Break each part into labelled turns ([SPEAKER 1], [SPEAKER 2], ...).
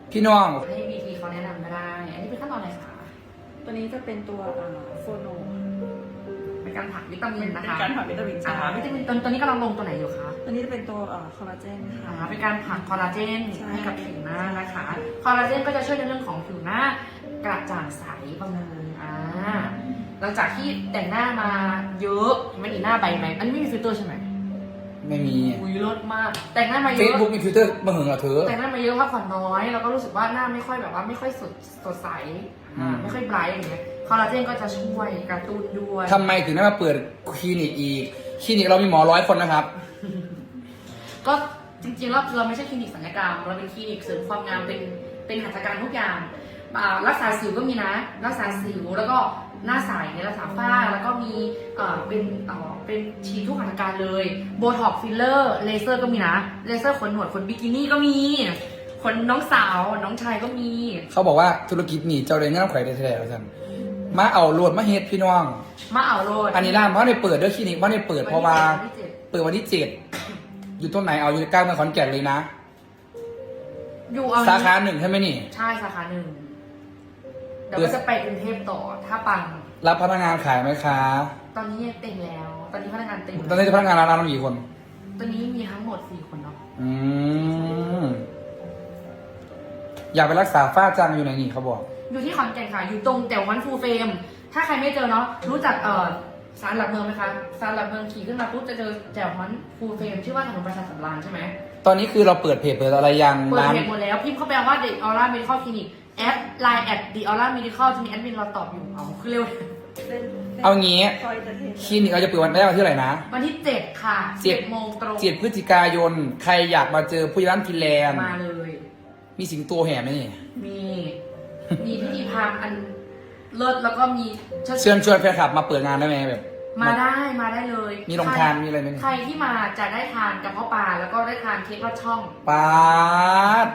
[SPEAKER 1] พี่น้อง
[SPEAKER 2] ให้ VT เขาแนะนำก็ได้ อันนี้เป็นขั้นตอนอะไรคะ
[SPEAKER 3] ตัวนี้จะเป็นตัวโฟโน
[SPEAKER 2] เป็นการผักวิตามินนะคะ
[SPEAKER 3] เป็นการผักวิตามินใช่
[SPEAKER 2] วิตามินตัวนี้กำลังลงตัวไหนอยู่คะ
[SPEAKER 3] ตัวนี้จะเป็นตัวคอลลาเจนค่ะ
[SPEAKER 2] เป็นการผักคอลลาเจน
[SPEAKER 3] ใช่
[SPEAKER 2] ให้กับผิวหน้านะคะ คอลลาเจนก็จะช่วยในเรื่องของผิวหน้ากระจ่างใสบำรุงหลังจากที่แต่งหน้ามาเยอะมันอีหน้าใบไหมอันนี้ไม่มีฟิลเตอร์ใช่ไหม
[SPEAKER 1] ไม่มี
[SPEAKER 2] อุ้ยเลิศมาก แต่งหน้ามาเย
[SPEAKER 1] เฟซ
[SPEAKER 2] อะ
[SPEAKER 1] บุ๊กมีฟิลเตอร์มาหึงเหรอเธอ
[SPEAKER 2] แต่งหน้ามาเยอะพักผ่อนน้อย แล้วก็รู้สึกว่าหน้าไม่ค่อยแบบว่าไม่ค่อยสดใส ไม่ค่อยไบรท์อย่างเงี้ย คอลลาเจนก็จะช่วยกระตุ้นด้วย
[SPEAKER 1] ทำไมถึงได้มาเปิดคลินิกอีก คลินิกเรามีหมอ100 คนนะครับ
[SPEAKER 2] ก็จริงๆแล้วเราไม่ใช่คลินิกศัลยกรรม เราเป็นคลินิกเสริมความงามเป็นหัตถการทุกอย่างรักษาสิวก็มีนะ รักษาสิวแล้วก็หน้าใสในรักษาฝ้าแล้วก็มีเป็นฉีดทุกหัตถการเลยโบท็อกฟิลเลอร์เลเซอร์ก็มีนะเลเซอร์ขนหนวดขนบิกินี่ก็มีขนน้องสาวน้องชายก็มี
[SPEAKER 1] เขาบอกว่าธุรกิจนี่เจ้าเรียนงานไข่ได้แท้ๆท่านมาเอาโหลดมาเฮ็ดพี่น้อง
[SPEAKER 2] มาเอาโรด
[SPEAKER 1] อันนี้ร้านเพราะในเปิดด้วยคลินิกเพราะในเปิดเพราะว่า
[SPEAKER 2] วันที่ 7
[SPEAKER 1] เปิดวันที่ 7 อยู่ต้นไหนเอาอยู่ใกล้เมืองขอนแก่นเลยนะ
[SPEAKER 2] อยู่เอา
[SPEAKER 1] สาขาหนึ่งใช่ไหมนี่
[SPEAKER 2] ใช่สาขาหนึ่งเดี๋ยวก็จะไปกรุงเทพต่อถ้าปัง
[SPEAKER 1] รับพนักงานขายไหมคะ
[SPEAKER 2] ตอนนี้เต็มแล้ว ตอนนี้พนักงานเต็ม
[SPEAKER 1] ตอนนี้พนักงานร้านเรากี่คน
[SPEAKER 2] ตอนนี้มีทั้งหมด4 คนเนาะ
[SPEAKER 1] อืมอยากไปรักษาฝ้าจางอยู่ไหนนี่เขาบอก
[SPEAKER 2] อยู่ที่ขอนแก่นค่ะ อยู่ตรงแถววันฟูลเฟรม ถ้าใครไม่เจอเนาะ รู้จักศาลหลักเมืองไหมคะศาลหลักเมืองขี่ขึ้นมาปุ๊บจะเจอแถววันฟูลเฟรมชื่อว่าถนนประชาสัมพันธ์ใช่ไหม
[SPEAKER 1] ตอนนี้คือเราเปิดเพจเปิดอะไรยัง
[SPEAKER 2] เปิด
[SPEAKER 1] ร้าน
[SPEAKER 2] เพจหมดแล้ว พิมพ์เข้าไปว่า The Aura Medical Clinic แอดไลน์แอด The Aura Medical จะมีแอดมินเราตอบอยู่เอาคือเร็ว
[SPEAKER 1] เอางี้
[SPEAKER 3] ซอยจะเทน
[SPEAKER 1] คลินิกเราจะเปิดวันแรกวันที่เท่าไหร่นะ
[SPEAKER 2] วันที่ 7 ค่ะ 7 โมงตรง
[SPEAKER 1] 7 พฤศจิกายน ใครอยากมาเจอผู้ใหญ่บ้านฟินแลนด์
[SPEAKER 2] มาเลย
[SPEAKER 1] มีสิงโตแห่ไหมนี่
[SPEAKER 2] มีพิธีพราหมณ์อันเลิศแล้วก็มี
[SPEAKER 1] เชิญชวนแฟนคลับมาเปิดงานได้ไหมแบบ
[SPEAKER 2] มาได้เลย
[SPEAKER 1] มีโรงทานมีอะไรไหม
[SPEAKER 2] ใครที่มาจะได้ทานกระเพาะปลาแล้วก็ได้ทานเค้กลอดช่อง
[SPEAKER 1] ปาด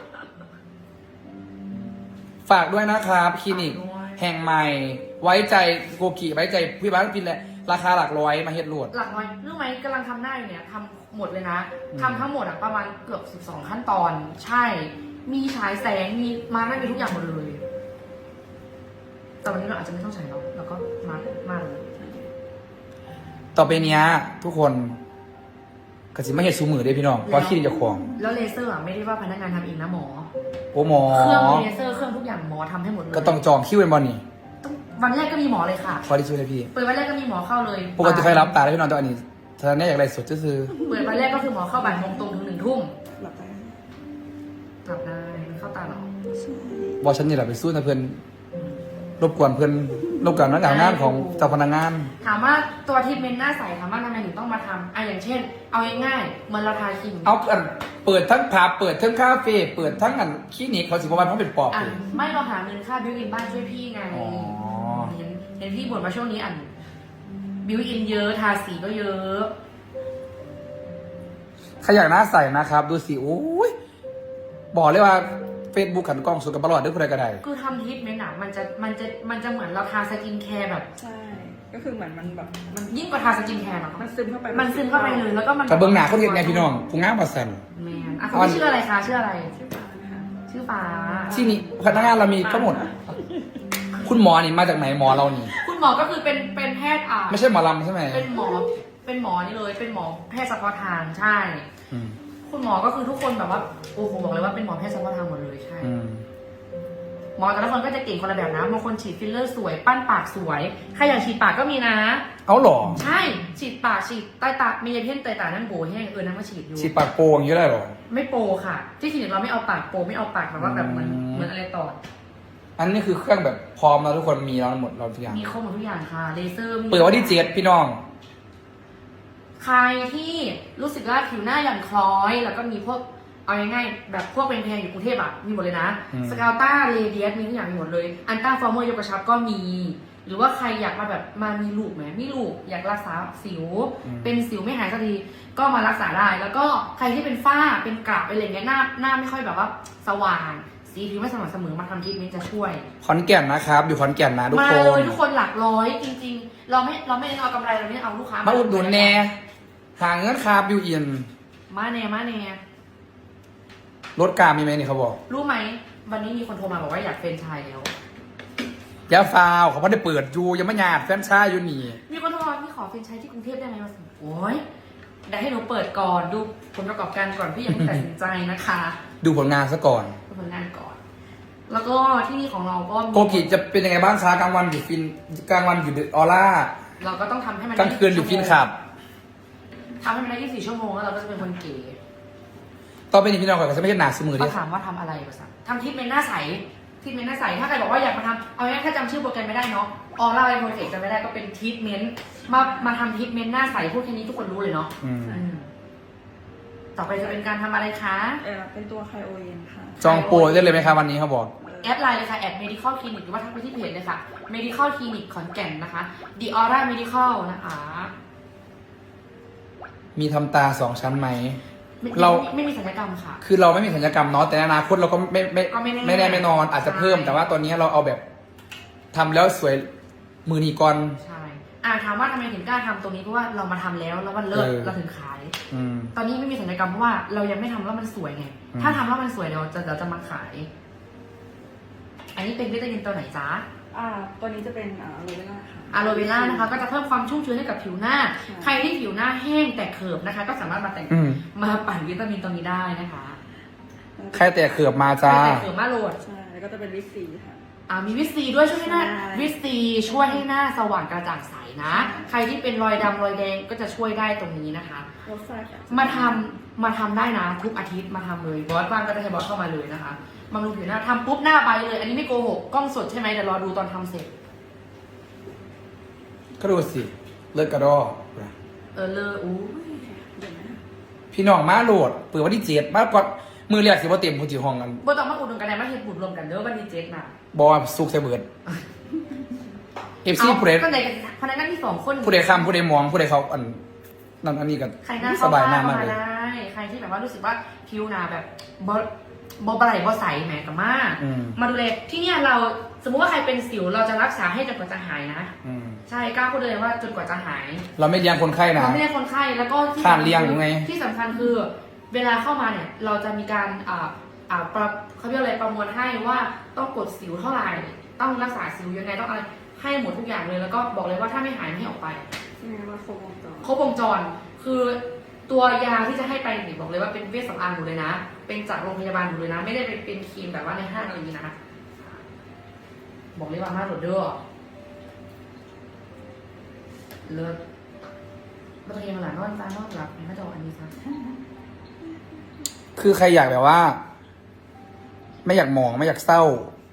[SPEAKER 1] ฝากด้วยนะครับคลินิก
[SPEAKER 2] ฝากด้วย
[SPEAKER 1] แห่งใหม่ ไว้ใจโกกิไว้ใจผู้ใหญ่บ้านฟินแลนด์ราคาหลักร้อยมาเฮ็ดโหลด
[SPEAKER 2] หลักน้อยรู้ไหมกำลังทำหน้าอยู่เนี่ยทำหมดเลยนะ
[SPEAKER 1] อืม
[SPEAKER 2] ทำทั้งหมดอะประมาณเกือบ12 ขั้นตอน ใช่ มีฉายแสงมีมาได้มีทุกอย่างหมดเลย แต่วันนี้เราอาจจะไม่ต้องฉายหรอกเราก็มาเลย
[SPEAKER 1] ต่อไปเนี้ย ทุกคนกสิมาเฮ็ดซูมือได้พี่น้องเพราะคลินิกเจะของ
[SPEAKER 2] แล้วเลเซอร์อะไม่ได้ว่าพนักงานทำเองนะหมอ
[SPEAKER 1] โอ้หมอ
[SPEAKER 2] เครื่องเลเซอร์เครื่องทุกอย่างหมอทำให้หมดเลย
[SPEAKER 1] ก็ต้องจองคิวเป็นบอลนี่
[SPEAKER 2] ต้องวันแรกก็มีหมอเลยค่ะ
[SPEAKER 1] ขอที่ช่วยเลยพี่
[SPEAKER 2] เปิดวันแรกก็มีหมอเข้าเลย
[SPEAKER 1] ปกติใครรับตาได้พี่น้องแตัวอันนี้ถ้าแน่อยากไรสดก็คือ
[SPEAKER 2] เปิดวันแรกก็คือหมอเข้าบ่ายโมงตรงถึง1 ทุ่ม
[SPEAKER 3] หลับไป
[SPEAKER 2] กลับได้เข้าตาหรอ
[SPEAKER 3] ใช่
[SPEAKER 1] บอฉันนี่แหละไปสู้นะเพื่อนรบกวนเพื่อนรบกวนนักงานของเจ้าพนักงาน
[SPEAKER 2] ถามว่าตัวทรีทเมนต์หน้าใสถามว่าทำไมถึงต้องมาทำอย่างเช่น เอาง่ายๆเหมือนเราทาครีม
[SPEAKER 1] เอาอันเปิดทั้งผับเปิดทั้งคาเฟ่เปิดทั้งอันคลินิกเขาสิบวันเขาเป็นปอบ
[SPEAKER 2] อ่ะ
[SPEAKER 1] เลย
[SPEAKER 2] ไม่เราหาเงินค่าบิวอินบ้านช่วยพี่ไง
[SPEAKER 1] อ๋อ
[SPEAKER 2] เห็นพี่บ่นมาช่วงนี้บิวอินเยอะทาสีก็เยอะ
[SPEAKER 1] ใครอยากหน้าใสนะครับ ดูสิโอ้ยบอกเลยว่า Facebook ขันกล้องสุดกับบลอดด้วยใครก็ได้
[SPEAKER 2] คือทำทรีทเมนต์อะมันจะเหมือนเราทาสกินแคร์แบบ
[SPEAKER 3] ใช่ ก็คือเหมือนมันแบบมัน
[SPEAKER 2] ยิ่งกว่าทาสกินแคร์เนาะ
[SPEAKER 3] มันซึมเข้าไป
[SPEAKER 2] มันซึมเข้าไปเลยแล้วก็มัน
[SPEAKER 1] กับเบิ้งหนาเขาเรียกไงพี่น้องผู้งามมาสั่น
[SPEAKER 2] แมนเขาชื่ออะไรคะชื่ออะไร
[SPEAKER 3] ชื่อฟ้านะคะ
[SPEAKER 2] ชื่อฟ้า
[SPEAKER 1] ที่นี่พนักงานเรามีทั้งหมด คุณหมอนี่มาจากไหนหมอเรานี่
[SPEAKER 2] คุณหมอก็คือเป็นแพทย์
[SPEAKER 1] ไม่ใช่หมอลำใช่ไหม
[SPEAKER 2] เป็นหมอนี่เลย เป็นหมอแพทย์เฉพาะทางใช่
[SPEAKER 1] อืม
[SPEAKER 2] คุณหมอก็คือทุกคนแบบว่าโอ้โหบอกเลยว่าเป็นหมอแพทย์เฉพาะทางหมดเลยใช่
[SPEAKER 1] อืม
[SPEAKER 2] หมอแต่ละคนก็จะเก่งคนละแบบนะบางคนฉีดฟิลเลอร์สวยปั้นปากสวยใครอยากฉีดปากก็มีนะ
[SPEAKER 1] เอาหรอ
[SPEAKER 2] ใช่ฉีดปากฉีดใต้ตามียาเพ่นใต้ตานั่นโบแห้งนั่นมาฉีดอยู่
[SPEAKER 1] ฉีดปากโปอย่างนี้ได้หรอ
[SPEAKER 2] ไม่โปค่ะ ที่คลินิกเราไม่เอาปากโปไม่เอาปากแบบว่าแบบเหมือน
[SPEAKER 1] อืม
[SPEAKER 2] เหมือนอะไรต่อ
[SPEAKER 1] อันนี้คือเครื่องแบบพร้อมแล้วทุกคนมีแล้วหมดเราทุกอย่าง
[SPEAKER 2] มีครบหมดทุกอย่างค่ะเลเซอร์มี
[SPEAKER 1] เปิดวันที่7พี่น้อง
[SPEAKER 2] ใครที่รู้สึกว่าผิวหน้าหย่อนคล้อย แล้วก็มีพวกเอาง่ายๆแบบพวกเป็นแพงอยู่กรุงเทพอ่ะมีหมดเลยนะ
[SPEAKER 1] อืม
[SPEAKER 2] สกาวต้าเรเดียสมีทุกอย่างมีหมดเลยอันต้าฟอร์เมอร์ยกกระชับก็มี หรือว่าใครอยากมาแบบมามีลูกไหมมีลูกอยากรักษาสิว เป็นสิวไม่หายสักทีก็มารักษาได้ แล้วก็ใครที่เป็นฝ้าเป็นกระเป็นอะไรเงี้ยหน้าไม่ค่อยแบบว่าสว่างสีผิวไม่สม่ำเสมอมาทำทรีทเมนต์จะช่วย
[SPEAKER 1] ขอนแก่นนะครับอยู่ขอนแก่นนะทุก
[SPEAKER 2] มา
[SPEAKER 1] ค
[SPEAKER 2] เล
[SPEAKER 1] น
[SPEAKER 2] ยทุกคนหลักร้อยจริงๆ เราไม่ได้เอากำไรเราไม่ได้เอาลูกค้า
[SPEAKER 1] มาอุดหนุนแน่หาเงินคาบิวอิน
[SPEAKER 2] มาแน่
[SPEAKER 1] รถกลางมีไหมนี่เขาบอก
[SPEAKER 2] รู้ไหมวันนี้มีคนโทรมาบอกว่าอยากเป็นไชายแล้ว
[SPEAKER 1] ยาฟาวเขาไม่ได้เปิดอยู่ยังไม่หยาดแฟนชายอยู่นี่
[SPEAKER 2] มีคนโทรมาพี่ขอเป็นไชายที่กรุงเทพได้ไหมมาสิโอ้ยได้ให้หนูเปิดก่อนดูผลประกอบการก่อนพี่ยังไม่ตัดสินใจนะคะ
[SPEAKER 1] ดูผลงานซะก่อน
[SPEAKER 2] ดูผลงานก่อน แล้วก็ที่นี่ของเราก็มี
[SPEAKER 1] โกกิจะเป็นยังไงบ้างคะกลางวันอยู่ฟินกลางวันอยู่ออร่า
[SPEAKER 2] เราก็ต้องทำให้มัน
[SPEAKER 1] กลางคืนอยู่ฟินขับ
[SPEAKER 2] ทำให้มันได้24 ชั่วโมงแล้วเราก็จะเป็นคนเก๋
[SPEAKER 1] ต่อไปนี้พี่น้องก่อนก็จะไม่ใช่หนาสมือ
[SPEAKER 2] ก็
[SPEAKER 1] ดิ
[SPEAKER 2] ถามว่าทำอะไรภาษาทำทรีทเมนต์หน้าใสทรีทเมนต์หน้าใสถ้าใครบอกว่าอยากมาทำเอาง่ายๆถ้าจำชื่อโปรแกรมไม่ได้เนาะออร่าไอโปรเจกต์จำไม่ได้ก็เป็นทรีทเมนต์มาทำทรีทเมนต์หน้าใสพูดแค่นี้ทุกคนรู้เลยเนาะ
[SPEAKER 1] อืม
[SPEAKER 2] อืมต่อไปจะเป็นการทำอะไรคะ
[SPEAKER 3] เป็นตัวไคโอเย็นค่ะ
[SPEAKER 1] จองโปรได้เลยไหมคะวันนี้เขาบอก
[SPEAKER 2] แอดไลน์เลยค่ะแอด medical clinic หรือว่าทักไปที่เพจเลยค่ะ medical clinic ขอนแก่นนะคะ the aura medical นะคะ
[SPEAKER 1] มีทำตา2 ชั้นไหม
[SPEAKER 2] ไม่
[SPEAKER 1] เรา
[SPEAKER 2] ไม่มีศัลยกรรมค่ะ
[SPEAKER 1] คือเราไม่มีศัลยกรรมเนาะแต่ในอนาคตเราก็ไม่
[SPEAKER 2] ก็ไม่แน่
[SPEAKER 1] ไม่แน่ไม่นอนอาจจะเพิ่ม
[SPEAKER 2] ใช่
[SPEAKER 1] แต่ว่าตอนนี้เราเอาแบบทำแล้วสวยมือนีก่อน
[SPEAKER 2] ใช่ถามว่าทำไมถึงกล้าทำตรงนี้เพราะว่าเรามาทำแล้วมันเลิศ
[SPEAKER 1] เออ
[SPEAKER 2] เราถึงขาย
[SPEAKER 1] อืม
[SPEAKER 2] ตอนนี้ไม่มีศัลยกรรมเพราะว่าเรายังไม่ทำแล้วมันสวยไง
[SPEAKER 1] อืม
[SPEAKER 2] ถ้าทำแล้วมันสวยเราจะมาขาย อันนี้เป็นวิตามินตัวไหนจ๊ะ
[SPEAKER 3] ตัวนี้จะเป็นโรเวล่าค่ะ
[SPEAKER 2] อะโลเวล่านะคะ ก็จะเพิ่มความชุ่มชื้นให้กับผิวหน้า
[SPEAKER 3] ใช่
[SPEAKER 2] ใครที่ผิวหน้าแห้งแต่เขิบนะคะ ก็สามารถมาแต่ง
[SPEAKER 1] อืม
[SPEAKER 2] มาปั่นวิตามินตัวนี้ได้นะคะ
[SPEAKER 1] ใครแต่เขือบมาจ้า
[SPEAKER 2] แต่เขิบมาโหลด
[SPEAKER 3] ใช่ แล้วก็จะเป็นวิตซีค่ะ
[SPEAKER 2] มีวิตซีด้วยช่วยให้หน้า
[SPEAKER 3] ใช่
[SPEAKER 2] วิตซีช่วยให้หน้าสว่างกระจ่างใสนะ
[SPEAKER 3] ใช่
[SPEAKER 2] ใครที่เป็นรอยดำรอยแดงก็จะช่วยได้ตรงนี้นะคะ
[SPEAKER 3] รสชาติ
[SPEAKER 2] มาทำได้นะ ทุกอาทิตย์มาทำเลยบอสบ้างก็จะให้บอสเข้ามาเลยนะคะบำรุงผิวหน้าทำปุ๊บหน้าใบเลย อันนี้ไม่โกหกกล้องสดใช่ไหมเดี๋ยวรอดูตอนทำเสร็จ
[SPEAKER 1] ก็ดูสิเลิศกระดอ
[SPEAKER 2] เลยอู้
[SPEAKER 3] เดี๋ยวนะ
[SPEAKER 1] พี่น้องมาโหลดเปิดวันที่7มาก่อนมือเรียกสิว่าเต็มพูจิห้องกัน
[SPEAKER 2] บอสต้องมาอุดหนุนกันเลยมาเห็นบุญรวมกันเด้อวันที่7น่ะ
[SPEAKER 1] บอสุกใส่เบิดเอฟซีผู้ใด
[SPEAKER 2] ก็ไหนกันพนักงานที่2 คน
[SPEAKER 1] ผู้ใดคำผู้ใดมองผู้ใดเขาอันนั่นอันนี้กัน
[SPEAKER 2] ใครหน้า
[SPEAKER 1] ส
[SPEAKER 2] เข้า
[SPEAKER 1] บาย
[SPEAKER 2] บ้าน
[SPEAKER 1] หน้า
[SPEAKER 2] เข้าม
[SPEAKER 1] าก
[SPEAKER 2] มา
[SPEAKER 1] เลย
[SPEAKER 2] ได้ใครที่แบบว่ารู้สึกว่าผิวหนาแบบบไหลบใสแหมกับมาก
[SPEAKER 1] อืม
[SPEAKER 2] มาดูเลยที่เนี่ยเราสมมุติว่าใครเป็นสิวเราจะรักษาให้จนกว่าจะหายนะ
[SPEAKER 1] อืม
[SPEAKER 2] ใช่กล้าพูดเลยว่าจนกว่าจะหาย
[SPEAKER 1] เราไม่เลี้ยงคนไข้นะ
[SPEAKER 2] เราไม่ได้คนไข้แล้วก็ที่
[SPEAKER 1] ขาดเลี้ยงหรือไง
[SPEAKER 2] ที่สำคัญคือ เวลาเข้ามาเนี่ยเราจะมีการเขาเรียกอะไรประมวลให้ว่าต้องกดสิวเท่าไหร่ต้องรักษาสิวยังไงต้องอะไรให้หมดทุกอย่างเลยแล้วก็บอกเลยว่าถ้าไม่หายไม่ให้ออกไป
[SPEAKER 3] นี่ว่าโครบวงจร
[SPEAKER 2] ครบวงจรคือตัวยาที่จะให้ไปเนี่ยบอกเลยว่าเป็นเวชสำอางหมดเลยนะ เป็นจากโรงพยาบาลหมดเลยนะ ไม่ได้เป็นครีมแบบว่าในห้างอะไรอย่างนี้นะบอกเลยว่ามาโหลดเด้อเลิศมาตัวเองมาหลานนอนตานอนหลับไม่ต้องอันนี้ซะ
[SPEAKER 1] คือใครอยากแบบว่า ไม่อยากมองไม่อยากเศร้า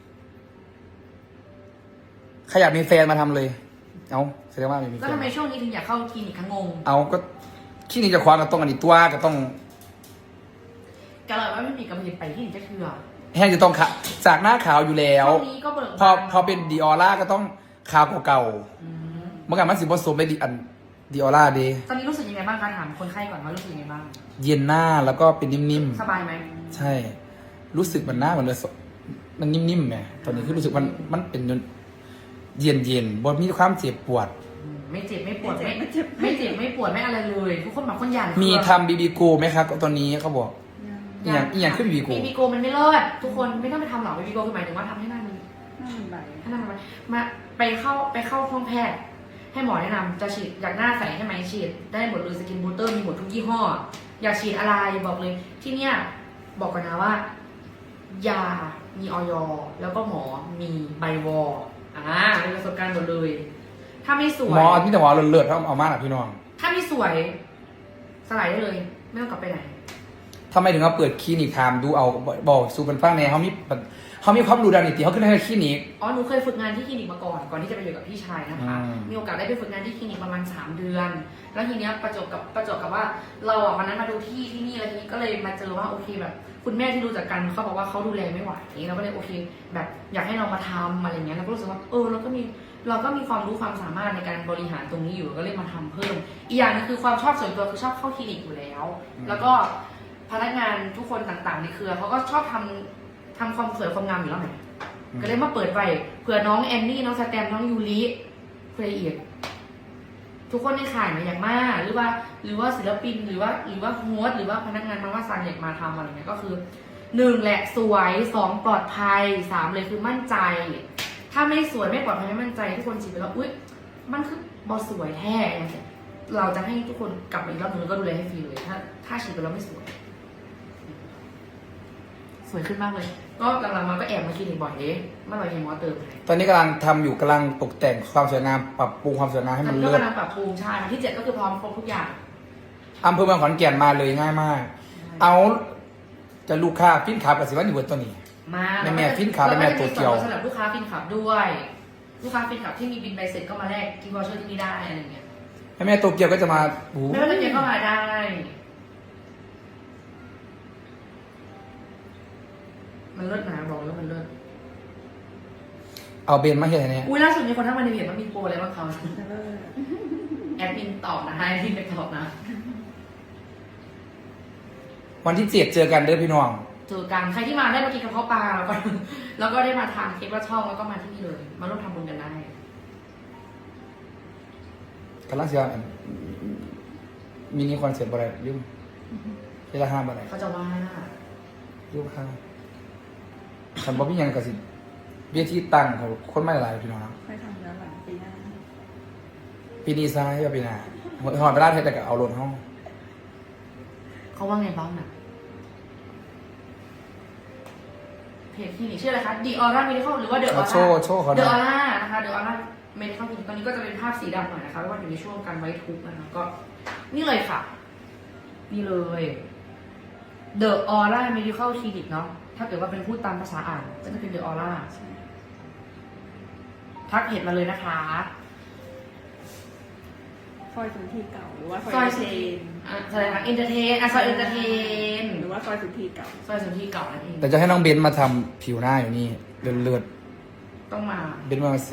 [SPEAKER 1] ใครอยากมีแฟนมาทำเลย เอาแสดงว่าไม่มีแฟ
[SPEAKER 2] แล้วทำไม
[SPEAKER 1] น
[SPEAKER 2] ช่วงนี้ถึงอยากเข้าคลินิกคะงง
[SPEAKER 1] เอาก็ที่นี่จะคว้าก็ต้องอันนี้ตัวก็ต้อง
[SPEAKER 2] กะเลยว่าไม่มีกำลังไปที่ไหนจะเชื่อ
[SPEAKER 1] แห้งจะต้องขะจากหน้าขาวอยู่แล้ว
[SPEAKER 2] ช่วงนี้ก็เบิก
[SPEAKER 1] พอเป็นดีออร่าก็ต้องขาวกว่าเก่า
[SPEAKER 2] อืม
[SPEAKER 1] เมื่อก่อนมันสิผสมไปดีอันดีออร่าดี
[SPEAKER 2] ตอนนี้รู้สึกยังไงบ้างคะถามคนไข้ก่อนว่ารู้สึกยังไงบ้าง
[SPEAKER 1] เย็นหน้าแล้วก็เป็นนิ่ม
[SPEAKER 2] สบายไหม
[SPEAKER 1] ๆใช่ รู้สึกมันหน้าเหมือนเลยมันนิ่มๆไงตอนนี้คือรู้สึกมันเป็นเย็นๆบนมีความเจ็บปวด
[SPEAKER 2] ไม่เจ็บไม่ปวดไม่เจ็บไม่ปวดไม่อะไรเลย ทุกคนแบบคนหยาด
[SPEAKER 1] มีทำบีบีโกไหมครับตอนนี้เขาบอก อย่างขึ้น BB Go
[SPEAKER 2] บีบีโกมันไม่เลิศทุกคนไม่ต้องไปทำหรอกบีบีโกคือหมายถึงว่าทำให้หน้ามัน
[SPEAKER 3] หน้ามันใบ
[SPEAKER 2] ให้หน้ามันมาไปเข้าห้องแพทย์ ให้หมอแนะนำจะฉีดอยากหน้าใสใช่ไหมฉีดได้หมดเลยสกินบูสเตอร์มีหมดทุกยี่ห้อ อยากฉีดอะไรบอกเลย ที่เนี่ยบอกก่อนนะว่า ยามีออยแล้วก็หมอมีใบวอมีประสบการณ์หมดเลย ถ้าไม่สวย
[SPEAKER 1] หมอที่แต่หมอเลือดๆเขาเอามาหนักพี่น้อง
[SPEAKER 2] ถ้าไม่สวยสลายได้เลย ไม่ต้องกลับไปไหน
[SPEAKER 1] ทำไมถึงเอาเปิดคลินิกทำดูเอาบอกสู่เป็นฟังแน่เขามีความรู้ด้านนิติเขาขึ้นให้คลินิก
[SPEAKER 2] อ๋อ หนูเคยฝึกงานที่คลินิกมาก่อนที่จะไปอยู่กับพี่ชายนะคะ
[SPEAKER 1] อืม
[SPEAKER 2] มีโอกาสได้ไปฝึกงานที่คลินิกประมาณ3 เดือน แล้วทีเนี้ยประจวบกับว่าเราอ่ะวันนั้นมาดูที่นี่แล้วทีนี้ก็เลยมาเจอว่าโอเคแบบ คุณแม่ที่รู้จักกันเขาบอกว่าเขาดูแลไม่ไหวเราก็เลยโอเค แบบอยากให้เรามาทำอะไรเงี้ยเราก็รู้สึกว่าเราก็มีความรู้ความสามารถในการบริหารตรงนี้อยู่ก็เลยมาทำเพิ่ม อีกอย่างนึงคือความชอบส่วนตัวคือชอบเข้าคลินิกอยู่แล้ว แล้วก็พนักงานทุกคนต่างๆในเครือเขาก็ชอบทำความสวยความงามอยู่แล้วไง ก็เลยมาเปิดไปเผื่อน้องแอนนี่น้องสแตมน้องยูริเพื่ออีกทุกคนในข่ายมาอย่างมากหรือว่าศิลปินหรือว่าโฮสต์หรือว่าพนักงานมาว่าสั่งอยากมาทำอะไรเงี้ยก็คือ 1แหละสวย2ปลอดภัย3เลยคือมั่นใจ ถ้าไม่สวยไม่ปลอดภัยไม่มั่นใจทุกคนฉีดไปแล้วอุ๊ยมันคือบอสวยแท้เราจะให้ทุกคนกลับมาอีกรอบนึงแล้วก็ดูแลให้ฟรีเลยถ้าฉีดไปแล้วไม่สวย สวยขึ้นมากเลย ก็หลังๆมาก็แอบมาคลินิกบ่อยเมื่อไหร่เห็นหมอเติมให้
[SPEAKER 1] ตอนนี้กำลังทำอยู่กำลังตกแต่งความสวยงามปรับปรุงความสวยงามให้มัน
[SPEAKER 2] ก็
[SPEAKER 1] เลิศ
[SPEAKER 2] กำลังปรับปรุงใช่วันที่7ก็คือพร้อมครบทุกอย่าง
[SPEAKER 1] อำเภอเมืองขอนแก่นมาเลยง่ายมาก เอาจะลูกค้าฟินขากับสิวันอยู่บนตัวนี้
[SPEAKER 2] มา
[SPEAKER 1] แม่ฟินขับแม่ตัวเกี่ยว
[SPEAKER 2] สำหรับลูกค้าฟินขับด้วย ลูกค้าฟินขับที่มีบินใบเสร็จก็มาแลกที่วอเชอร์ที่นี่ได้อะไรเงี้ย
[SPEAKER 1] แม่ตัวเกี่ยวก็จะมาโอ้โห
[SPEAKER 2] ไม่ว่าจะเก็บเข้ามาได้ มันเลิศนะบอกเลยว่ามันเลิศ
[SPEAKER 1] เอาเบนมาเห็นเนี่ย
[SPEAKER 2] อุ้ยล่าสุดมีคนทักมาในเพจว่ามีโปรอะไรบ้างเขา
[SPEAKER 3] เลิศ
[SPEAKER 2] แอดมินตอบนะให้ที่ไปตอบนะ
[SPEAKER 1] วันที่7เจอกันเด้อพี่น้อง
[SPEAKER 2] เจอกันใครที่มาได้มากินกระเพาะปลาแล้วก็ได้มาทานเค้กว่าช่องแล้วก็มาที่นี่เลย มาร่วมทำบุญกันได้
[SPEAKER 1] กำลังเสียมินิคอนเสิร์ตอะไรลืมเวลาห้ามอะไร
[SPEAKER 2] เขาจะว่า
[SPEAKER 1] ลืมค่ะฉันบอกพี่ยังกับสิเบี้ยที่ตั้งเขาคนไม่หลายพี่น้องครับ
[SPEAKER 3] ค่อยทำแล้วหลังปีหน้า
[SPEAKER 1] ปีนี้ซ้ายกับปีหน้าหอนไปร้านเทศแต่ก็เอารถห้อง
[SPEAKER 2] เขาว่าไงบ้างน่ะเพจที่นี่ชื่ออะไรคะ The Aura Medical หรือว่า The
[SPEAKER 1] เอา
[SPEAKER 2] Aura
[SPEAKER 1] โชว์เขา
[SPEAKER 2] The
[SPEAKER 1] นะ
[SPEAKER 2] Aura นะคะ The Aura Medical Clinic ตอนนี้ก็จะเป็นภาพสีดำหน่อยนะคะเพราะว่าอยู่ในช่วงการไว้ทุกข์นะคะก็นี่เลยค่ะ นี่เลย The Aura Medical Clinic เนาะถ้าเกิดว่าเป็นพูดตามภาษาอ่านก็จะเป็น The Aura ทักเพจมาเลยนะคะ
[SPEAKER 3] ซอยสุนทรีเก่าหรือว่า
[SPEAKER 2] ซ
[SPEAKER 3] ซ
[SPEAKER 2] อ
[SPEAKER 3] อย ย
[SPEAKER 2] สุ
[SPEAKER 3] เท
[SPEAKER 2] ธี
[SPEAKER 3] น
[SPEAKER 2] อะไรนะเอนเตอร์เทนซอยเอนเตอร์เทน
[SPEAKER 3] หรือว่าซอยสุนทรีเก่า
[SPEAKER 2] ซอยสุธีเก่านั่นเอง
[SPEAKER 1] แต่จะให้น้องเบนมาทำผิวหน้าอยู่นี่เลือด
[SPEAKER 2] ต้องมา
[SPEAKER 1] เบนมาเซ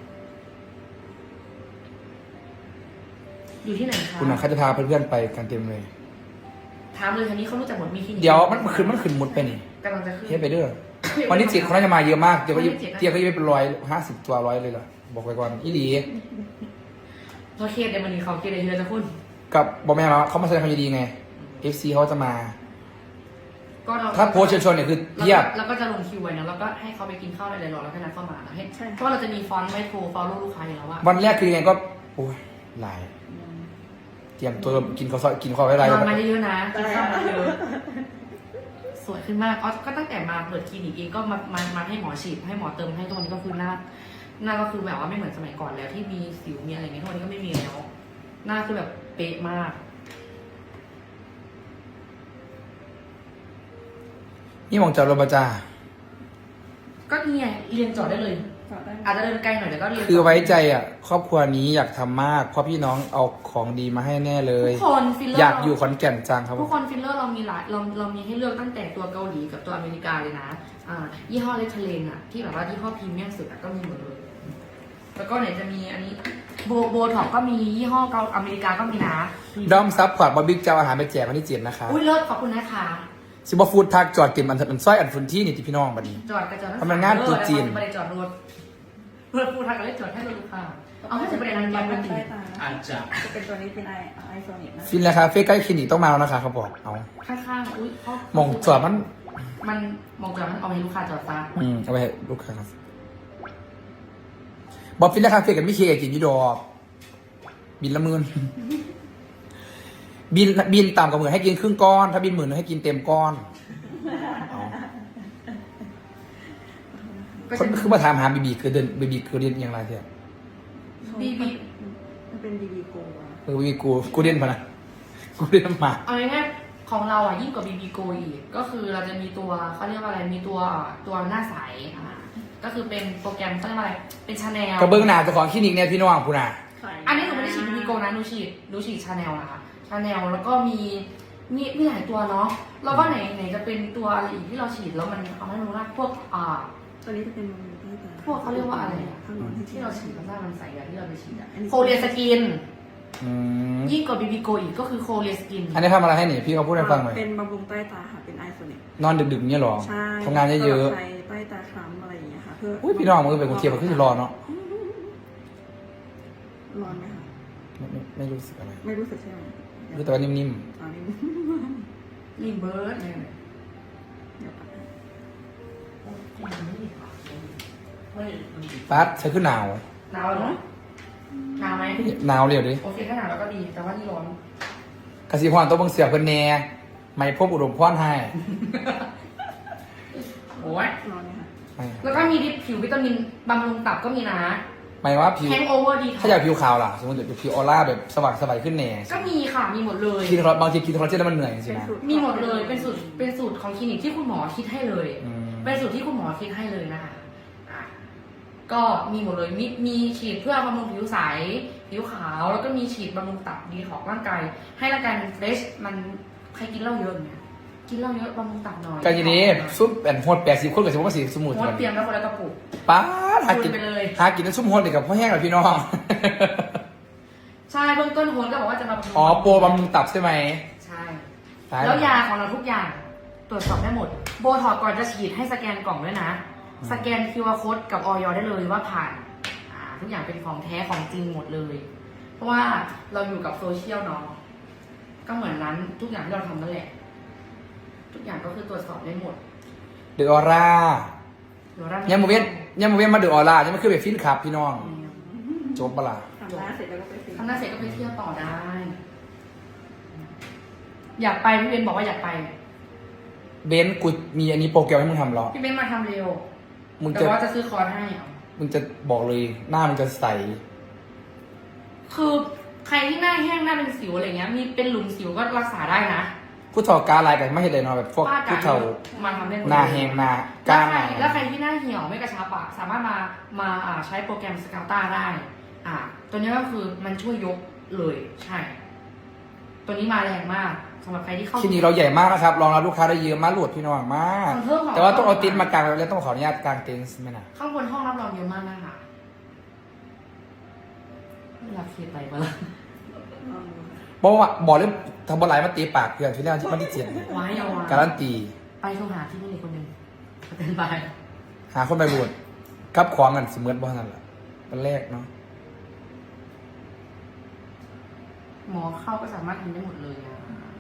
[SPEAKER 2] อยู่ที่ไหนคะ
[SPEAKER 1] คุณน่ะเขาจะพาเพื่อนๆไปกันเต็มเลย
[SPEAKER 2] ถามเลยทีนี้เขารู้จักหมดมีคลินิก
[SPEAKER 1] เดี๋ยวมันขึ้นมุดไปนี่
[SPEAKER 2] กำลังจะขึ้น
[SPEAKER 1] เฮ็ดไปเด้อวันที่7เขาน่าจะมาเยอะมากเดี๋ยวก็
[SPEAKER 2] วันที่7
[SPEAKER 1] เตี้ยก็จะเป็น150ตัว100เลยล่ะบอกไปก่อนอีหลี
[SPEAKER 2] เพราะเคสเดี๋ยวมันนี้เขาเคสเดี๋ยวจะคุณ
[SPEAKER 1] กับบอแม่แล้วเขามาแสดงความยินดีไง FC เขาจะมา
[SPEAKER 2] ก็เรา
[SPEAKER 1] ถ้าโพสต์เชิญชวนเนี่ยคือเพียบ
[SPEAKER 2] แล้วก็จะลงคิวไว้นะแล้วก็ให้เขาไปกินข้าวอะไรรอแล้วก็นัดเข้ามานะให้เพราะว่าเราจะมีฟอนต์ไว้โทรฟอลโล่ลูกค้าอยู่แล้วว่า
[SPEAKER 1] วันแรกคือยังไงก็โอ้ยหลาย เตรียมตัวกินข้าวซอยกินข้าวไว้ไร
[SPEAKER 2] นอนมาเยอะๆนะกินข้าวมาเยอะสวยขึ้นมากอ๋อก็ตั้งแต่มาเปิดคลินิกเองก็มาให้หมอฉีดให้หมอเติมให้ทุกวันนี้ก็คือหน้าก็คือแบบว่าไม่เหมือนสมัยก่อนแล้วที่มีสิวมีอะไรเงี้ยทุกวันนี้ก็ไม่มีแล้วหน้าคือแบบเป๊ะมาก
[SPEAKER 1] นี่มองจอดรถประจา
[SPEAKER 2] ก็นี่ไงเรียนจอดได้เลย
[SPEAKER 3] จอดได้
[SPEAKER 2] อาจจะเดินไกลหน่อยแต่ก็เรียน
[SPEAKER 1] คือไว้ใจอ่ะ ครอบครัวนี้อยากทำมากเพราะพี่น้องเอาของดีมาให้แน่เลย
[SPEAKER 2] ทุกคนฟิลเลอร์
[SPEAKER 1] อยากอยู่ขอนแก่นจังครับ
[SPEAKER 2] ทุกคนฟิลเลอร์เรามีหลายเรามีให้เลือกตั้งแต่ตัวเกาหลีกับตัวอเมริกาเลยนะยี่ห้อเลทเทเลนอะที่แบบว่ายี่ห้อพรีเมียมสุดอะก็มีหมดเลยแล้วก็ไหนจะมีอันนี้โบท็อกก็มียี่ห้อเกาอเมริกาก็มีนะ
[SPEAKER 1] ด้อมซับพอร์ตบอบบิ๊กจะเอาอาหารไปแจกวันที่7นะคะ
[SPEAKER 2] อุ้ยเลิศขอบคุณนะคะ
[SPEAKER 1] ซิบฟูดทักจอดเต็มอันสร้อยอันฟุนที่นี่ที่พี่น้องบัดนี้
[SPEAKER 2] จอดกระจอด
[SPEAKER 1] ทำงานตรุษจีน
[SPEAKER 2] ไม่ได้จอดรถเพื่อพูดทางกันเลยจอดให้รถลูกค้าเอาให้จะไปในร้าน
[SPEAKER 3] บำ
[SPEAKER 2] ยำ
[SPEAKER 3] รุ
[SPEAKER 2] กัน
[SPEAKER 3] ง
[SPEAKER 2] จริ
[SPEAKER 3] ใต้
[SPEAKER 2] ง
[SPEAKER 3] ตา
[SPEAKER 4] อาจจะ
[SPEAKER 3] จะเป็นตัวนี้เป็นไอโซนิกนะ
[SPEAKER 1] ฟินแล้วคาเฟ่ใกล้คลินิกต้องมาแล้วนะคะเขาบอกเอา
[SPEAKER 2] ข้างๆอุ้ยเขา
[SPEAKER 1] มองจอดมัน
[SPEAKER 2] มันมองจอดมันเอาไปให้ลูกค้าจอดซะ
[SPEAKER 1] เอาไปให้ลูกค้าครับบอกฟินแล้วคาเฟ่กับมิเคกินอยูดอกบินละหมื่น บินต่ำกว่าหมื่นให้กินครึ่งก้อน ถ้าบิน10,000ให้กินเต็มก้อนเอา
[SPEAKER 2] ก็
[SPEAKER 1] คน
[SPEAKER 2] จะ
[SPEAKER 1] คือมาถามหาบีบีคือเดินบีบีคือเรียนอย่างไรเถอะ
[SPEAKER 2] บีบี
[SPEAKER 3] มันเป็นบีบีโกะ
[SPEAKER 1] บีบีกูเรียนพะนะกูเรียนมา
[SPEAKER 2] เอาง่ายๆของเราอ่ะยิ่งกว่า BB Go อีกก็คือเราจะมีตัวเขาเรียกว่าอะไรมีตัวหน้าใสก็คือเป็นโปรแกรมเขาเรียกว่าอะไรเป็นชาแนล
[SPEAKER 1] กระเบื้องหนาเจ้าของคลินิกเนี่ยพี่น้องคุณน่ะ
[SPEAKER 2] อันนี้หนูไม่ได้ฉีด BB Go นะหนูฉีดชาแนลนะคะชาแนลแล้วก็มีหลายตัวเนาะแล้วก็ไหนจะเป็นตัวอะไรอีกที่เราฉีดแล้วมันเอาให้รู้นะพวก
[SPEAKER 3] ตัวนี้จะเป็นบำรุงใต้ตา
[SPEAKER 2] พวกเขาเรียกว่าอะไรอ่ะ
[SPEAKER 3] ข้างนอกที่
[SPEAKER 2] ที่เราฉีดแล้วหน้ามันใสอะที่เราไปฉีดอะ
[SPEAKER 3] อันนี้
[SPEAKER 2] โคเรียสกิน
[SPEAKER 1] อืม
[SPEAKER 2] ยิ่งกว่า BB Go อีกก็คือโคเรียสกิน
[SPEAKER 1] อันนี้ทำอะไรให้หนิพี่เขาพูดให้ฟังหน่อย
[SPEAKER 3] เป็นบำรุงใต้ตาค่ะเป็นไอโซนิก
[SPEAKER 1] นอนดึกๆเนี่ยหรอ
[SPEAKER 3] ใช่
[SPEAKER 1] ทำงานเยอะ
[SPEAKER 3] ใช้ใต้ตาคล้ำอะไรอย่างเงี้ยค่ะเพื่อ
[SPEAKER 1] ๆอุ้ยพี่น้องมือเป็นคนเทียบมันขึ้นรอเนาะ
[SPEAKER 3] ร้อนไหมคะ
[SPEAKER 1] ไม่รู้สึกอะไร
[SPEAKER 3] ไม่รู้สึกใช่ไหม
[SPEAKER 1] รู้แต่ว่านิ่ม
[SPEAKER 3] อ๋อนี่
[SPEAKER 2] รีเบิร์ดเนี่ย
[SPEAKER 3] เดี๋ยวก่อน
[SPEAKER 1] ปัดใช้ขึ้นหนาว
[SPEAKER 2] หนาวเหรอหนาวไหม
[SPEAKER 1] หนาวเร็วดิ
[SPEAKER 2] โอเคถ้าหนาวแล้วก็ดี แต่ว่านี่ร้อน
[SPEAKER 1] กสิพรตัวเบิ่งเสียบเพิ่นแหน่ไม่พบอุดมพรให้
[SPEAKER 2] โอ้ย
[SPEAKER 3] ร้อนไหมคะ
[SPEAKER 1] ไม่
[SPEAKER 2] แล้วก็มีดิปผิววิตามินบำรุงตับก็มีนะ
[SPEAKER 1] หมายว่าผิว
[SPEAKER 2] แฮงโอเวอร์ดี
[SPEAKER 1] ถ้าอยากผิวขาวล่ะสมมติอยากผิวออร่าแบบสว่างสบายขึ้นแหน่
[SPEAKER 2] ก็มีค่ะมีหมดเลย
[SPEAKER 1] กินบางทีกินคอลลาเจนแล้วมันเหนื่อยจริงๆนะ
[SPEAKER 2] มีหมดเลยเป็นสูตรของคลินิกที่คุณหมอคิดให้เลย
[SPEAKER 1] อืม
[SPEAKER 2] เป็นสูตรที่คุณหมอคิดให้เลยนะคะอ่ะก็มีหมดเลยมีฉีดเพื่อบำรุงผิวใสผิวขาวแล้วก็มีฉีดบำรุงตับดีของร่างกายให้ร่างกายมันเฟรชมันใครกินเหล้าเยอะเนี่ยกินเหล้าเยอะบำรุงตับหน่อย
[SPEAKER 1] ก็ทีนี้ซุปแอนโฮด80 คนกับสมุน
[SPEAKER 2] งดเตรียมแล้วคนละกระปุก
[SPEAKER 1] ป้าดหากิน
[SPEAKER 2] ไปเลย
[SPEAKER 1] หากินน้ำซุปโฮดเลยกับพ่อแห้งกับพี่น้อง
[SPEAKER 2] ใช่เบื้องต้นโฮนก็บอกว่าจะมาบำรุง
[SPEAKER 1] อ๋อโปรบำรุงตับใช่ไหม
[SPEAKER 2] ใช่
[SPEAKER 1] ตาย
[SPEAKER 2] แล้วยาของเราทุกอย่างตรวจสอบได้หมด โบท็อกซ์ก่อนจะฉีดให้สแกนกล่องด้วยนะ สแกน QR code กับออยได้เลยว่าผ่านทุกอย่างเป็นของแท้ของจริงหมดเลย เพราะว่าเราอยู่กับโซเชียลเนาะก็เหมือนนั้นทุกอย่างที่เราทำนั่นแหละ ทุกอย่างก็คือตรวจสอบได้หมด
[SPEAKER 1] เดอะออร่า
[SPEAKER 2] เดี๋ยวเรา
[SPEAKER 1] ยังโมเว้นมาเดอะออร่ายังไม่ขึ้นไปฟินครับพี่น้องจบปะล่ะ
[SPEAKER 3] ทำหน้าเสร็จแล้วก็ไปฟิต
[SPEAKER 2] ทำหน้าเสร็จก็ไปเที่ยวต่อได้ อยากไปพี่เบนบอกว่าอยากไป
[SPEAKER 1] เบนซ์กูมีอันนี้โปรแกรมให้มึงทำเหรอ
[SPEAKER 2] พี่เบนมาทำเร็ว
[SPEAKER 1] มึง
[SPEAKER 2] แต่
[SPEAKER 1] จะ
[SPEAKER 2] ว่าจะซื้อคอร์สให้เอา
[SPEAKER 1] มึงจะบอกเลยหน้ามึงจะใส
[SPEAKER 2] คือใครที่หน้าแห้งหน้าเป็นสิวอะไรเงี้ย มีเป็นหลุมสิวก็รักษาได้นะ
[SPEAKER 1] ผู้เฒ่ากาลายกันไม่เห็นเลยเนาะแบบพวก
[SPEAKER 2] ป้า
[SPEAKER 1] ผู้
[SPEAKER 2] กา
[SPEAKER 1] เฒ่า
[SPEAKER 2] มาทำได้หมด
[SPEAKER 1] หน้าแหงหน้า
[SPEAKER 2] แล้
[SPEAKER 1] กาว
[SPEAKER 2] ใคร
[SPEAKER 1] หน้า
[SPEAKER 2] แล้วใครที่หน้าเหี่ยวไม่กระชับอะสามารถมาใช้โปรแกรมสกาต้าได้ ตัวนี้ก็คือมันช่วยยกเลยใช่ ตัวนี้มาแรงมากสำหรับใครที่เข้า
[SPEAKER 1] คลินิกเราใหญ่มากนะครับรองรับลูกค้าได้เยอะมากหลวดพี่น้องมาก
[SPEAKER 2] เพิ่มของ
[SPEAKER 1] แต่ว่าต้องเอาตินมากางแล้วต้องขออนุญาตกางเต็นท์ไหมนะ
[SPEAKER 2] ข้างบนห้องรับรองเยอะมากนะคะเวลาเคลียร์ไปมาละ
[SPEAKER 3] ลองดูค่ะ
[SPEAKER 1] บอกว่าบอกเรื่องทำบอลไหลมาตีปากเพื่อนที่แรกที่มันที่เจ็ด
[SPEAKER 2] ไว้เอาไว้
[SPEAKER 1] การันตี
[SPEAKER 2] ไปโทรหาที่นี่คนหนึ่งเป็นไป
[SPEAKER 1] หาคนไปบวชกับของกันเสมือนบ้านนั่นแหละเป็นแรกเนาะ
[SPEAKER 2] หมอเข้าก็สามารถทำได้หมดเลยอะ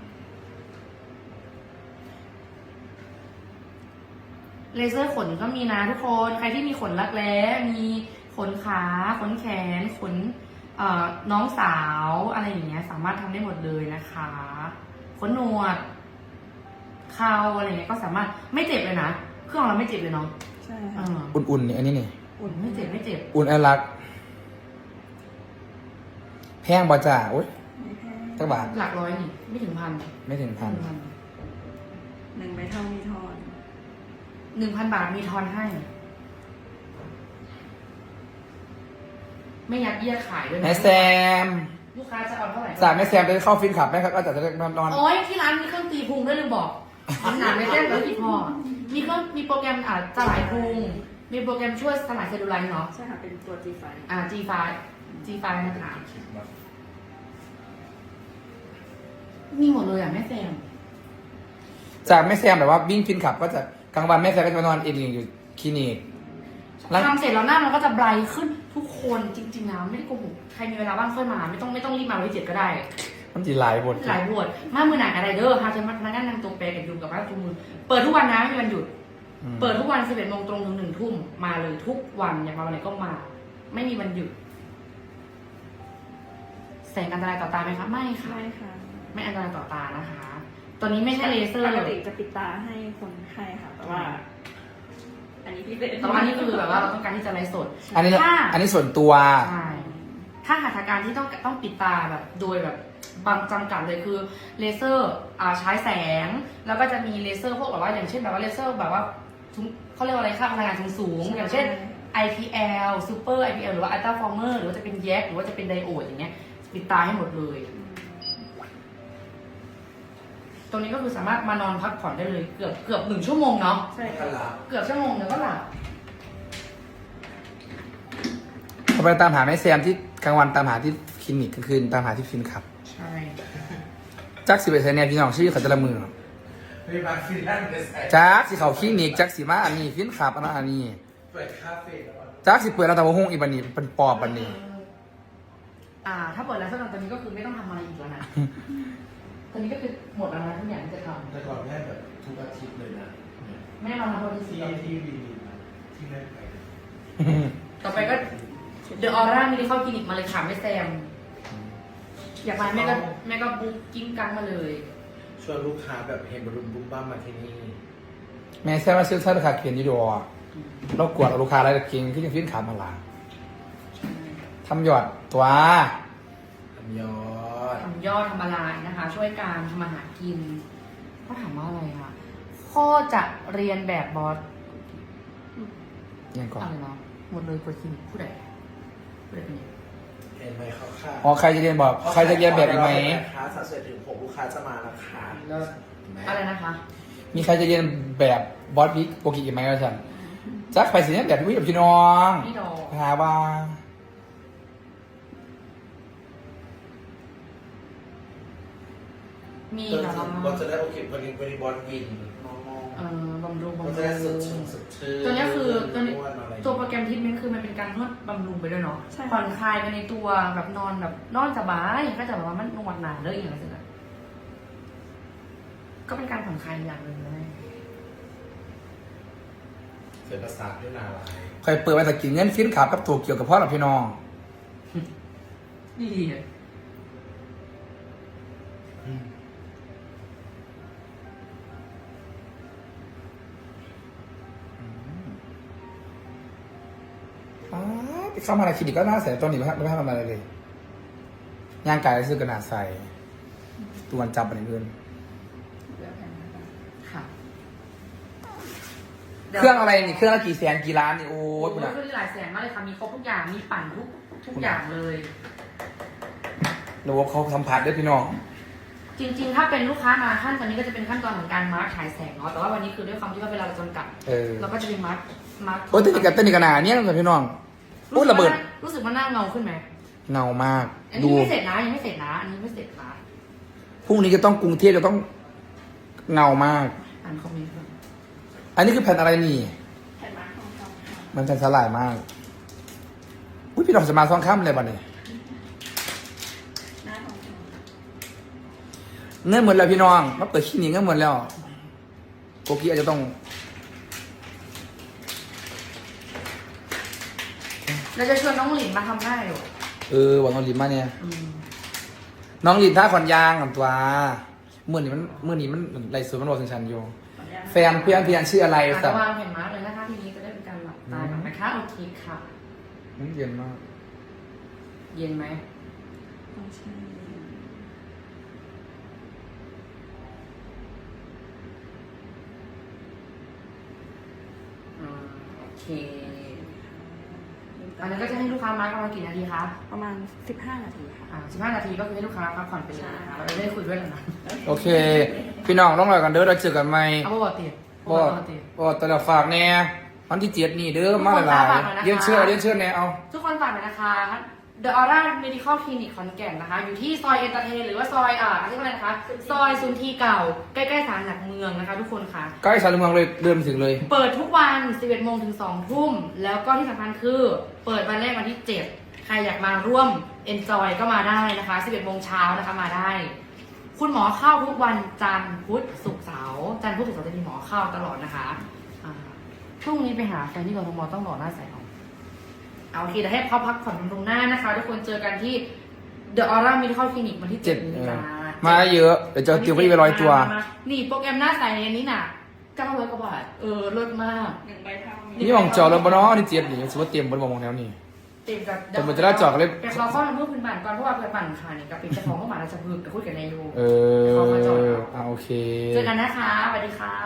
[SPEAKER 2] เลเซอร์ขนก็มีนะทุกคน ใครที่มีขนรักแร้มีขนขาขนแขนขนน้องสาวอะไรอย่างเงี้ย สามารถทำได้หมดเลยนะคะขนหนวดเข่าอะไรเงี้ยก็สามารถไม่เจ็บเลยนะเครื่องเราไม่เจ็บเลยเนาะ
[SPEAKER 3] ใช่
[SPEAKER 2] เอ
[SPEAKER 3] ค่ะ
[SPEAKER 2] อ
[SPEAKER 1] อุ่นๆนี่อันนี้นี่
[SPEAKER 2] อุ่นไม่เจ็บไม่เจ็บ
[SPEAKER 1] อุ่นไอรัก แพงบ่จ่าโอ๊ย
[SPEAKER 3] ไม่แพง
[SPEAKER 1] สักบาท
[SPEAKER 2] หลักร้อยนี่ไม่ถึงพัน
[SPEAKER 1] ไม่ถึงพัน
[SPEAKER 3] 1 ใบเท่ามีทอน
[SPEAKER 2] 1,000 บาทมีทอนให้ ไม่ยัดเยียดขายด้วยนะ
[SPEAKER 1] แม่แซม
[SPEAKER 2] ลูกค้าจะเอาเท่าไหร่
[SPEAKER 1] จากแม่แซมไปเข้าฟินขับแม่ครับก็จะได้นอน
[SPEAKER 2] โอ้ยที่ร้านมีเครื่องตีพุงด้วยลืมบอกหนาไม่แจ้งเลยที่พอมีโปรแกรมสลายพุงมีโปรแกรมช่วยสลายเซลลูไลท์เนาะ
[SPEAKER 3] ใช่ค่ะ เป็นตัว G5
[SPEAKER 2] G5 นะคะมีหมดเลยแม่แซม
[SPEAKER 1] จากแม่แซมแบบว่าวิ่งฟินขับก็จะกลางวันแม่แซมก็จะมานอนเองอยู่คลินิก
[SPEAKER 2] ทำเสร็จแล้วหน้ามันก็จะไบรท์ขึ้นทุกคนจริงๆนะไม่ได้โกหกใครมีเวลาว่างค่อยมาไม่ต้องรีบมาวันที่7ก็ได้
[SPEAKER 1] มันจีหลายบท
[SPEAKER 2] หลายบวชมามือหนักอะไรเด้อฮาจะมานั่งนั่งตรงเปรกับยุงกับบ้านทุกมือเปิดทุกวันนะไม่มีวันหยุด เปิดทุกวัน11 โมงตรงถึง1 ทุ่มมาเลยทุกวันอยากมาวันไหนก็มา ไม่มีวันหยุดแสงอันตรายต่อตาไหมคะไม่ค่ะ
[SPEAKER 3] ใช่ค่ะ
[SPEAKER 2] ไม่อันตรายต่อตานะคะ ตัวนี้ไม่ใช่เลเซอร์
[SPEAKER 3] ปกติจะปิดตาให้คนไข้ค่ะ แต่ว่า อันนี้พิเศษ
[SPEAKER 2] แต่ว่านี่คือแบบว่าเราต้องการที่จะไลฟ์สด
[SPEAKER 1] อันนี้
[SPEAKER 2] ถ้า
[SPEAKER 1] อันนี้ส่วนตัว
[SPEAKER 2] ใช่ถ้าหัตถการที่ต้องปิดตาแบบโดยแบบบางจำกัดเลยคือเลเซอร์ใช้แสง แล้วก็จะมีเลเซอร์พวกแบบว่าอย่างเช่นแบบว่าเลเซอร์แบบว่าเขาเรียกว่าอะไรค่าพลังงานสูงๆอย่างเช่น IPL Super IPL หรือว่า Ultra Former หรือว่าจะเป็นแยกหรือว่าจะเป็นไดโอดอย่างเงี้ยปิดตาให้หมดเลย ตรงนี้ก็คือสามารถมานอนพักผ่อนได้เลยเกือบ1 ชั่วโมงเนาะ
[SPEAKER 3] ใช่ค่ะ
[SPEAKER 2] เกือบชั่วโมงเดี๋ยวก็หลับ
[SPEAKER 1] เขาไปตามหาแม่แซมที่กลางวันตามหาที่คลินิกกลางคืนตามหาที่ฟินขับ
[SPEAKER 2] ใช่
[SPEAKER 1] จักสิบเอ็ดเนี่ยพี่น้องชื่อเขาจะละมือ
[SPEAKER 4] ไม่มาฟินแลนด์เลยใส่
[SPEAKER 1] จักสิเขาคลินิกจักสิมาอันนี้ฟินขับอันนี้
[SPEAKER 4] เปิดคาเฟ่แล้วก็
[SPEAKER 1] จักสิเปิดแล้วแต่ว่าห้องอีบันนี้เป็นปอบบันนี้
[SPEAKER 2] ถ้าเปิดแล้วสำหรับตอนนี้ก็คือไม่ต้องทำอะไรอีกแล้วนะ ตอนนี้ก็คือหมดแล้วนะทุกอย่างที่จะท
[SPEAKER 4] แต่ก่อนแม่แบบทุกอาทิตย์เลยนะ
[SPEAKER 2] ำไม่ได้มาทำโทษที่
[SPEAKER 4] ที่
[SPEAKER 2] สี่
[SPEAKER 4] ที่วี
[SPEAKER 2] ต่อไปก็เดอะออร่ามินิคอลคลินิกมาเลยค่ะไม่แซม อยากมาแม่ก็บุ๊กกิ้งกันมาเลย
[SPEAKER 4] ชวนลูกค้าแบบเห็นบรุมบุ้มบ้ามมาที่นี่
[SPEAKER 1] แม่แซ่บว่าซื้อเสื้อราคาเขียนอยี่ดอเรากวดเอาลูกค้าอะไรเก่งขึ้นยังขึ้นขามาลาทำยอดตัว
[SPEAKER 4] ทำยอด
[SPEAKER 2] ทำยอดทำอะไรนะคะ ช่วยการทำอาหารกินเขาถามว่าอะไรคะข้อจะเรียนแบบบอส
[SPEAKER 1] ยังก่อน
[SPEAKER 2] อะไรนะหมดเลยกดคลินิกผู้ใดเป็นยัง
[SPEAKER 4] เห็นไหมเขาค่ะ
[SPEAKER 1] อ๋อใครจะเรียนบอกใครจะเรียนแบบอีกไหม
[SPEAKER 4] ค้าสัดส่วนถึงผมลูกค้าจะมาแล้วค่ะเห็นไหม
[SPEAKER 2] อะไรนะคะ
[SPEAKER 1] มีใครจะเรียนแบบบอสบิ๊กโปรกิอีกไหมครับฉันจักไปสิเนี่ยแบบพี่กับพี่น้อง
[SPEAKER 2] พี่ดอก
[SPEAKER 1] หาว่า
[SPEAKER 2] มี
[SPEAKER 4] ก็
[SPEAKER 2] นะ
[SPEAKER 4] ก็จะได้โอเคพอดีบอลวินมอง
[SPEAKER 2] บำรุง
[SPEAKER 4] ก็
[SPEAKER 2] บำ
[SPEAKER 4] จะ
[SPEAKER 2] รุ
[SPEAKER 4] ได้สด
[SPEAKER 2] ง
[SPEAKER 4] ชื่นสดชื่น
[SPEAKER 2] ตัวเนี้ยคือตัวนี้
[SPEAKER 4] อ้วนอะไร
[SPEAKER 2] ตัวโปรแกรมทิปเมนต์คือมันเป็นการนวดบำรุงไปด้วยเนาะ
[SPEAKER 3] ใช่
[SPEAKER 2] ผ่อนคลายไปในตัวแบบนอนสบายก็จะแบบว่ามันนวดหนาเลยอย่างเงี้ยก็เป็นการผ่อนคลายอย่างหนึ่งเลย
[SPEAKER 4] เสียประสาทด้วยนาลาย
[SPEAKER 1] ใครเปิดมาตะกินเงินฟินขับกับตัวเกี่ยวกับพ่อหลับพี่น้อง
[SPEAKER 2] ดีอะ
[SPEAKER 1] เข้ามาในคลินิกก็น่าใส่ตอนนี้ไม่ทำอะไรเลยย่างกายซื้อกันหนาใส่ตัวจับอะไรเงิน
[SPEAKER 2] ค่ะ
[SPEAKER 1] เครื่องอะไรนี่เครื่องละกี่แสนกี่ล้านนี่โอ้
[SPEAKER 2] โอ้
[SPEAKER 1] ย
[SPEAKER 2] โห
[SPEAKER 1] คุณอะ
[SPEAKER 2] ขึ้นหลายแสนมากเลยค่ะมีครบทุกอย่างมีปั่นทุกอย่างเลย
[SPEAKER 1] ระบบเขาสัมผัสด้วยพี่น้อง
[SPEAKER 2] จริงๆ ถ้าเป็นลูกค้ามาขั้นตอนนี้ก็จะเป็นขั้นตอนของการมาร์คฉายแสงเนาะแต่ว่าวันนี้คือด้วยความที่ว่าเวลาเราจำกัด เราก็จะเป็นมาร์ค
[SPEAKER 1] โอ้ยเต้นกับขนาดนี้นะพี่น้องโอ้ยระเบิด
[SPEAKER 2] รู้สึกว่าหน้าเงาขึ้นไหม
[SPEAKER 1] เงามาก
[SPEAKER 2] อัน
[SPEAKER 1] ดู
[SPEAKER 2] นี้ไม่เสร็จนะยังไม่เสร็จนะอันนี้ไม่เสร็จนะ
[SPEAKER 1] พรุ่งนี้จะต้องกรุงเทพจะต้องเงามาก
[SPEAKER 2] อ่านคอมเมนต์ก่อน
[SPEAKER 1] อันนี้คือแผ่นอะไรนี่
[SPEAKER 3] แผ่นมาร์คของเขาค่ะ
[SPEAKER 1] มันแผ่นสลายมากอุ้ยพี่น้องจะมาซ้อนข้ามเลยบ้านี้
[SPEAKER 3] หน้าของเขา
[SPEAKER 1] เงินหมดแล้วพี่น้องมาเปิดคลินิกเงินหมดแล้วโกกี้อาจจะต้อง
[SPEAKER 2] เราจะชวนน้องหลินมาทำหน้าอยู่
[SPEAKER 1] วันน้องลินมาเนี่ย
[SPEAKER 2] อืม
[SPEAKER 1] น้องลินท่าขอนยางกับตัวเมื่อนี้มันไรสวยมันรอสัญชันอยู่แฟนเพื่อนชื่ออะไร
[SPEAKER 2] อาจ
[SPEAKER 1] สั
[SPEAKER 2] จะ
[SPEAKER 1] บ
[SPEAKER 2] วางแผ่นมาร์กเลยนะคะทีนี้จะได้เป็นการหลับตาก่อนนะคะโอเคค่ะ
[SPEAKER 1] เย็นมาก
[SPEAKER 2] เย็นไหม
[SPEAKER 3] ต้องใช้
[SPEAKER 2] โอเคอันนั้นก็จะให้ลูกค้ามาร์กประมาณกี่นาทีคะ
[SPEAKER 3] ประมาณ 15 นาทีค่ะ
[SPEAKER 2] 15 นาทีก็คือให้ลูกค้าพักผ่อนไปเลยนะคะเราจะได้คุยด้วยกันนะ
[SPEAKER 1] โอเค พี่น้องต้องรอกันเด้อเราเจอกันไหม
[SPEAKER 2] เอาปกติ
[SPEAKER 1] บอดแต่ละฝากแน่วันที่7นี่เด้อมาหลายๆเรียนเชื่อแน่เอา
[SPEAKER 2] ทุกคนฝากหน่อยนะคะ The Aura Medical Clinic ขอนแก่นนะคะ อยู่ที่ซอยเอนเตอร์เทนหรือว่าซอยเรียกว่าอะไรนะคะ ซอยซุนทีเก่า ใกล้ๆศาลหลักเมืองนะคะ ทุกคนค่ะ
[SPEAKER 1] ใกล้สารเมืองเลยเดินถึงเลย
[SPEAKER 2] เปิดทุกวัน 11 โมงถึง 2 ทุ่ม แล้วก็ที่สำคัญคือ เปิดวันแรกวันที่ 7 ใครอยากมาร่วม Enjoy ก็มาได้นะคะ 11 โมงเช้านะคะมาได้ คุณหมอเข้าทุกวันจันทร์พุธศุกร์เสาร์จันทร์พุธศุกร์เสาร์จะมีหมอเข้าตลอดนะคะพรุ่งนี้ไปหาแฟนที่กทมต้องรอหน้าใสเอาโอเคเดี๋ยวให้เขาพักผ่อนตรงหน้านะคะ ทุกคนเจอกันที่ The Aura Medical Clinic วันที่ 7 นี้นะ
[SPEAKER 1] มาเยอะเดี๋ยวจะเตรียมไว้ไป100 ตัว
[SPEAKER 2] นี่โปรแกรมหน้าใสอันนี้น่ะ900 กว่าบาทเลิศมาก
[SPEAKER 3] 1 ใบเท่า
[SPEAKER 1] นี่มองจอแล้วบ่เนาะนี่7นี่สมมติเตรียมบนมองแล้วนี่
[SPEAKER 2] เต็มกับ
[SPEAKER 1] แต่มันจะได้เจาะกันเลย
[SPEAKER 2] แต่เราเข้ามาเพื่อพื้นบ้านก่อนเพราะว่าเพื่อนบ้านค่ะนี่กับเป็นเจ้าของเมื่อวานเราจะพึกกับพูดกับนายโย
[SPEAKER 1] โอเค
[SPEAKER 2] เจอกันนะคะสวัสดีค่ะ